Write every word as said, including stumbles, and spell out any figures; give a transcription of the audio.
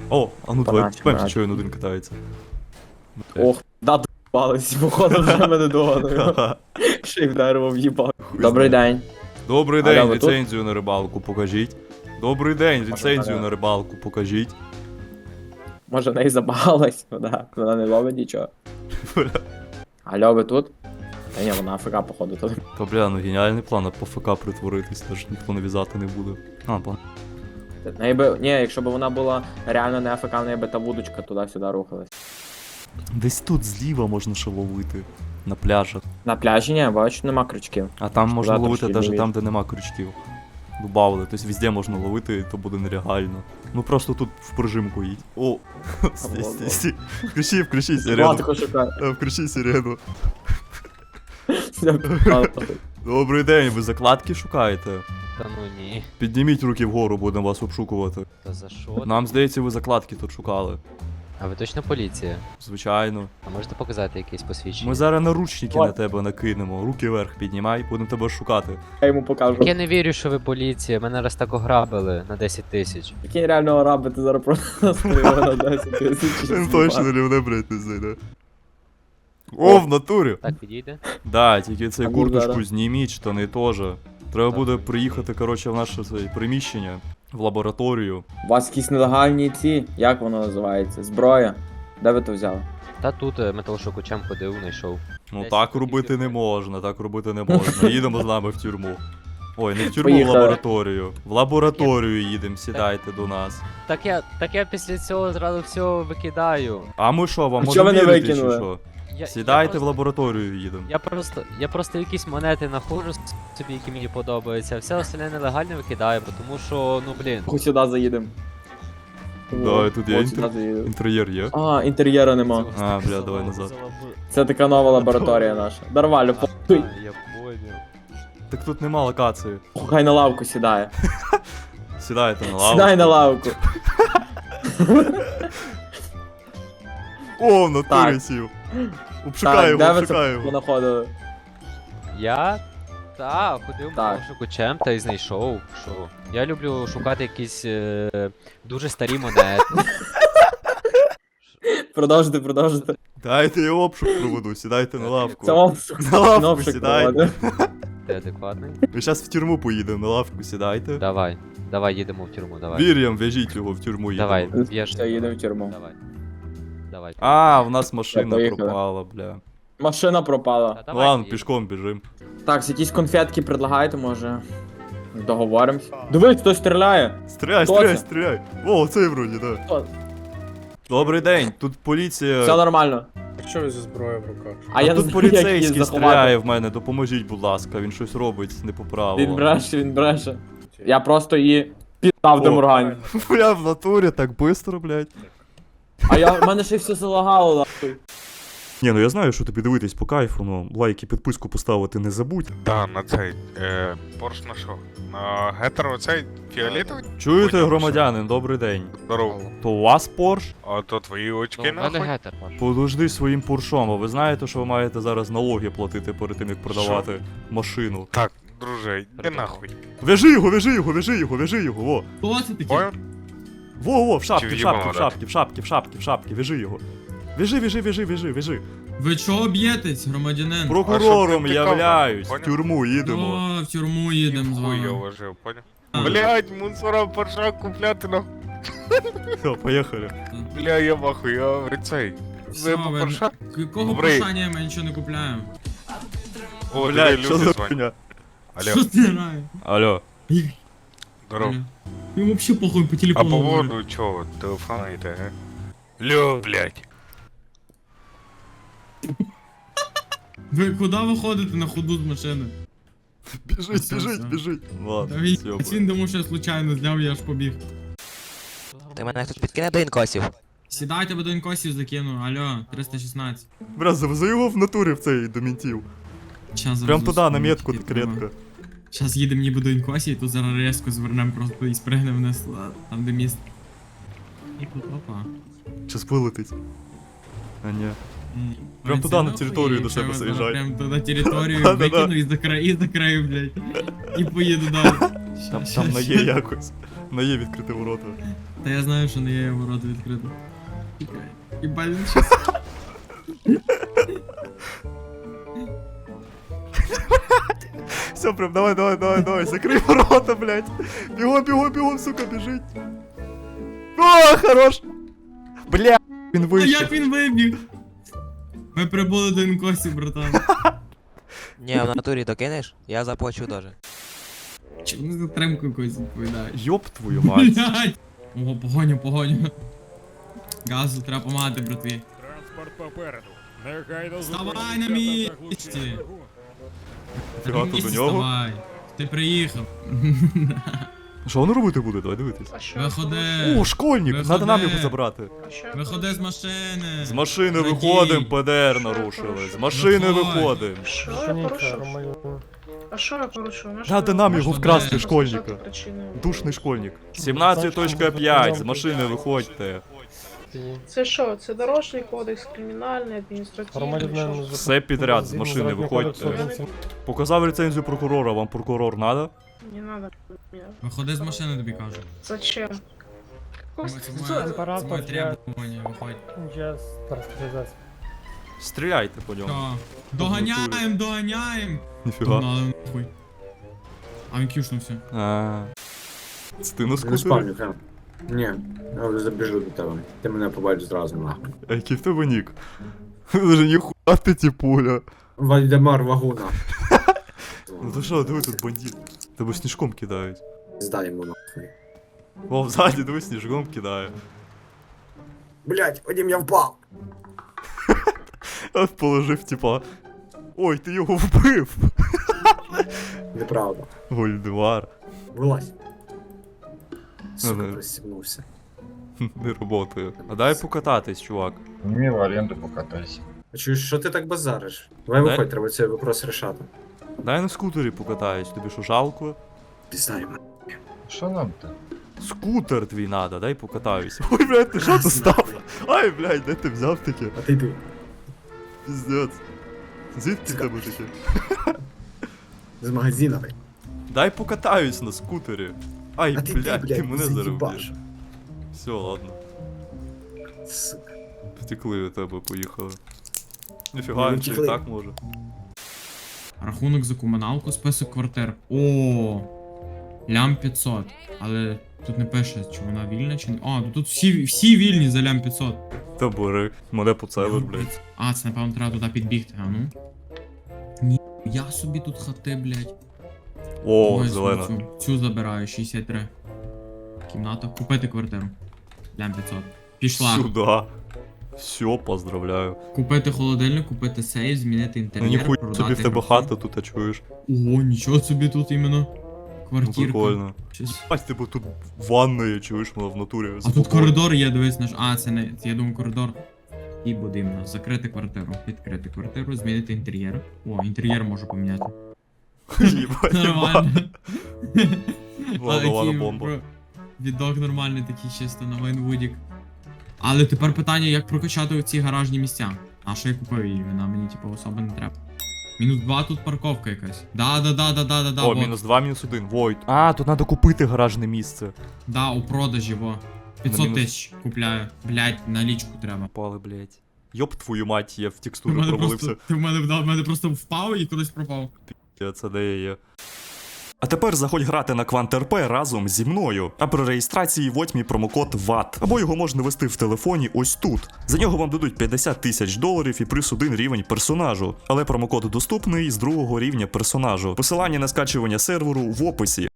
О, а ну давай, Поначе, пам'ятаєш, поначе. що він один катається. Ох, да, д***бались, походу вже мене догоною. Ще й в дерево в'їбав. Добрий день. Добрий Аля, день, ви тут? ліцензію на рибалку покажіть. Добрий день, ліцензію Аля. на рибалку покажіть. Може в неї забагалась, вона, вона не ловить нічого. Алло, ви тут? Та ні, вона АФК, походу, тут. Та бля, ну геніальний план, а по ФК притворитись, теж ніхто нав'язати не буде. А, план. В неї би, ні, якщо б вона була реально не АФК, в неї би та вудочка туди-сюди рухалась. Десь тут зліва можна ще ловити. На пляжах. На пляжі ні, бачу, нема крючків. А там можна Завтра ловити ще навіть ловити. там, де нема крючків. Добавили, тобто везде можна ловити, то буде нереально. Ну просто тут в прижимку їдь. О, стій, стій, стій. Включи, включи сирену. Матико шукає. Е, Включи сирену. Все, Добрий день, ви закладки шукаєте? Та ну ні. Підніміть руки вгору, будемо вас обшукувати. Та за що? Нам здається, ви закладки тут шукали. А ви точно поліція? Звичайно. А можете показати якесь посвідчення? Ми зараз наручники Ой. на тебе накинемо. Руки вверх піднімай, будемо тебе шукати. Я йому покажу. Я не вірю, що ви поліція. Мене раз так ограбили на десять тисяч. Який реально араби, ти зараз просто стріли на десять тисяч. Він точно рівне, блядь, не зайде. О, в натурі! Так підійде? Да, тільки цей А ну курточку зараз. зніміть, штани теж. Треба Так. буде приїхати, коротше, в наше це, приміщення, в лабораторію. У вас якісь нелегальні ці, як воно називається? Зброя? Де ви то взяли? Та тут е, металошукачем ходив, знайшов. Ну Десь так тут робити тільки не можна, так робити не можна. Їдемо з нами в тюрму. Ой, не в тюрму, Поїхали. в лабораторію. В лабораторію їдемо, сідайте до нас. Так я, так я після цього зразу все викидаю. А ми що, вам А чого можемо ви не вірити, чи викинули? що? Я, Сідайте я в просто, лабораторію їдемо. я просто, я просто якісь монети знаходжу собі, які мені подобаються, а все остальне нелегально викидаю, бо тому що, ну блін. Хоч сюди заїдемо. Да, і тут є От сюди інтер- заїдемо. інтер'єр є. А, інтер'єра нема. А, бля, давай назад. Це така нова лабораторія наша. Нормально, А, похуй. я понял. Так тут нема локації. Хай на лавку сідає. Сідайте на лаву. Сідай на лавку. О, в натурі Так. сів. Обшукай Так, його, де ви обшукай це його. понаходили? Я? Та, ходив Так. шукачем та й знайшов. Що? Я люблю шукати якісь е, дуже старі монети. Продовжуйте, продовжуйте. Дайте я обшук проведу, сідайте на лавку. Це вам На лавку кнопчик сідайте. проводить. Ти адекватний? Ми зараз в тюрму поїдемо, на лавку сідайте. Давай, давай їдемо в тюрму, давай. Вір'ям, в'яжіть його в тюрму їдемо. Давай, б'єш. Все, їдемо в тюрму. Давай. Давай. А, в нас машина поїхали. пропала, бля. Машина пропала. Та давай, Ладно, їдемо. пішком біжим. Так, якісь конфетки предлагаєте, може. Договоримось. Дивись, хтось стріляє. Стріляй, Хто стріляй, це? стріляй. О, цей вроді, да. Хто? Добрий день, тут Все поліція. нормально. Що ви зі зброєю в руках? А я не тут знаю, як її поліцейський заховати. стріляє в мене, допоможіть, будь ласка, він щось робить не по Він правилам. бреше, він бреше. Я просто її піддав до О. Мургані. Бля, в натурі так бистро, блядь. А я, в мене ще й все залагало, нахуй. Ні, ну я знаю, що тобі дивитись по кайфу, ну лайк і підписку поставити не забудь. Да, на цей. Е, Порш на що? На гетеро цей фіолетовий? Чуєте, Поняв, громадянин, добрий день. Здорово. То у вас Порш? А то твої Ну, очки в мене нахуй? гетер, Паш. Подожди своїм Поршом, а ви знаєте, що ви маєте зараз налоги платити перед тим, як продавати машину? Так, друже, йди Придумав. нахуй. Вяжи його, вяжи його, вяжи його, вяжи його, во. Хто це такий? Понял? Во, во, в шапки, Чи в в'їбало шапки, в дати? шапки, в шапки, в шапки, в шапки, вяжи його. Вяжи, вяжи, вяжи, вяжи, вяжи. Ви чого б'єтесь, громадянин? Прокурором А щоб не являюсь, пікав, в тюрму їдемо. О, в тюрму їдемо з Хуй я вами. вложив, понял? А. Блять, мусора порша купляти нахуй. Все, поїхали. Бля, я махуй, я говорю, цей. Все, Ви ви- порша? Якого Добрий. пошання ми нічого не купляємо? О, Блядь, диви, що люди за дзвонять. хуйня? Що Алло, ти грає? Алло. здорово. Йому взагалі похуй по А телефону. по говорю. поводу чого? Телефона йде, га? Льо, блять. Ви куди виходите на ходу з машини? Біжить, Все, біжить, все. біжить. Ладно, Та він, все. він думав, що я случайно зняв, я аж побіг. Ти мене хтось підкине до інкосів. Сідайте, бо до інкосів закину. Алло, триста шістнадцять. Бля, завези його в натурі в цей до ментів. Щас Прям завезу туди, на собі, метку тільки треба. конкретно. Щас їдемо ніби до інкосів, і тут зараз резко звернемо просто і спригнемо вниз, а, там де міст. І тут, опа. Щас вилетить. А ні. Прям туди, на територію до себе заїжджай. Прям туди на територію Да-да-да. викину і за край, і за краю, блядь. І поїду далі. Там, Ща, там ща, на є ща. якось. На є відкрити ворота. Та я знаю, що не є ворота відкрито. Чекай. Єбать, він щас. Все, прям давай, давай, давай, давай, закрий ворота, блядь. Бігом, бігом, бігом, сука, біжить. О, хорош. Бля, він А вийшов. як він вибіг? Ми прибули до інкосі, братан. Ні, в натурі докинеш, я заплачу даже. Чому за тримку якось відповідає? Йоп твою мать. Блядь! Ого, погоню, погоню. Газу треба помагати, братві. Транспорт попереду. Негайно Вставай на місці! Фіга На тут місці до нього. вставай. Ти приїхав. Що воно робити буде? Давай дивитись. Виходи. О, школьник, Виходи. надо нам його забрати. Виходи з машини. З машини Радій. виходимо, ПДР нарушили. З машини Виходь. виходимо. Що я порушив? А що я порушив? На що Надо ви нам можете його вкрасти, сказати школьника. причину? Душний школьник. сімнадцять п'ять, з машини виходьте. Це що? Це дорожній кодекс, кримінальний, адміністративний. що? Все підряд, з машини виходьте. Показав ліцензію прокурора, вам прокурор надо? Не надо. Ні. Виходи з машини, тобі кажу. Зачем? Це моє- це моє требування, виходь. Стріляйте по ньому. Що? Доганяєм, доганяєм. Ніфіга. Погнали нахуй. А він кюшнувся. А. Це ти на Не скутері? спавню, прям. Ні, я вже забіжу до тебе. Ти мене побачиш зразу, нахуй. А який в тебе нік? Даже ніхуя ти тіпуля. Вальдемар Вагуна. Ну то що, диви тут бандит. Тебе сніжком кидають. Здай йому нахуй. О, взаді, диви, сніжком кидає. Блять, Вадим, я впав! А положив, типа. Ой, ти його вбив. Неправда. Вольдемар. Вилазь. Сука, Ага. пристібнувся. Не роботає. А дай покататись, чувак. Мне в аренду покатайся. А чуєш, що ти так базариш? Давай Дай- виходь, треба цей вопрос рішати. Дай на скутері покатаюсь, тобі що жалко? Пізнаємо. Что нам-то? Скутер твій надо, дай покатаюсь. Ой, блядь, ти що тут став? Ай, блядь, де ти взяв таке? А ти йди. Піздець. Звідки в тебе таке? З магазина, блядь. Дай покатаюсь на скутері. Ай, А ти йди, блядь, ти блядь, мене зараз заїбаш. вб'єш. Все, ладно. Сука. Втекли від тебе, поїхали. Не Ніфіга, він втекли. і так може. Рахунок за комуналку, список квартир. О, лям п'ятсот. Але тут не пише, чи вона вільна, чи не. А, ну тут всі, всі вільні за лям п'ятсот. Та бери, мене поцелиш, блядь. А, це напевно треба туди підбігти, а ну. Ні, я собі тут хати, блядь. О, Ой, зелена. Цю, цю забираю, шістдесят три. Кімната. Купити квартиру. Лям п'ятсот. Пішла. Сюда. Все, поздравляю. Купити холодильник, купити сейф, змінити Ну інтер'єр. ніхуя продати собі в тебе гроші. хата тут, а чуєш? О, нічого собі тут іменно. Ну Квартирка. прикольно. Щось. Бать, типу тут ванна є, чуєш, вона в натурі. А тут коридор є, дивись наш. А, це не. Це, я думаю, коридор. І буде іменно. Закрити квартиру. Відкрити квартиру, змінити інтер'єр. О, інтер'єр можу поміняти. Їбать, Нормально. Ладно, ладно, Такий, бомба. бро, Відок нормальний такий чисто на Вайнвудік. Але тепер питання, як прокачати ці гаражні місця. А що я купив її? Вона мені типу особо не треба. Мінус два тут парковка якась. Да, да, да, да, да, да, да. О, вот. мінус два, мінус один, Войт. А, тут треба купити гаражне місце. Да, у продажі, во. п'ятсот мінус- тисяч купляю. Блять, налічку треба. Пали, блядь. Йоп твою мать, я в Ти в текстуру мене провалився. просто, ти в мене, да, в мене просто впав і кудись пропав. Я це де я є. А тепер заходь грати на Квант.РП разом зі мною. А при реєстрації вводь мій промокод ват. Або його можна ввести в телефоні ось тут. За нього вам дадуть п'ятдесят тисяч доларів і плюс один рівень персонажу. Але промокод доступний з другого рівня персонажу. Посилання на скачування серверу в описі.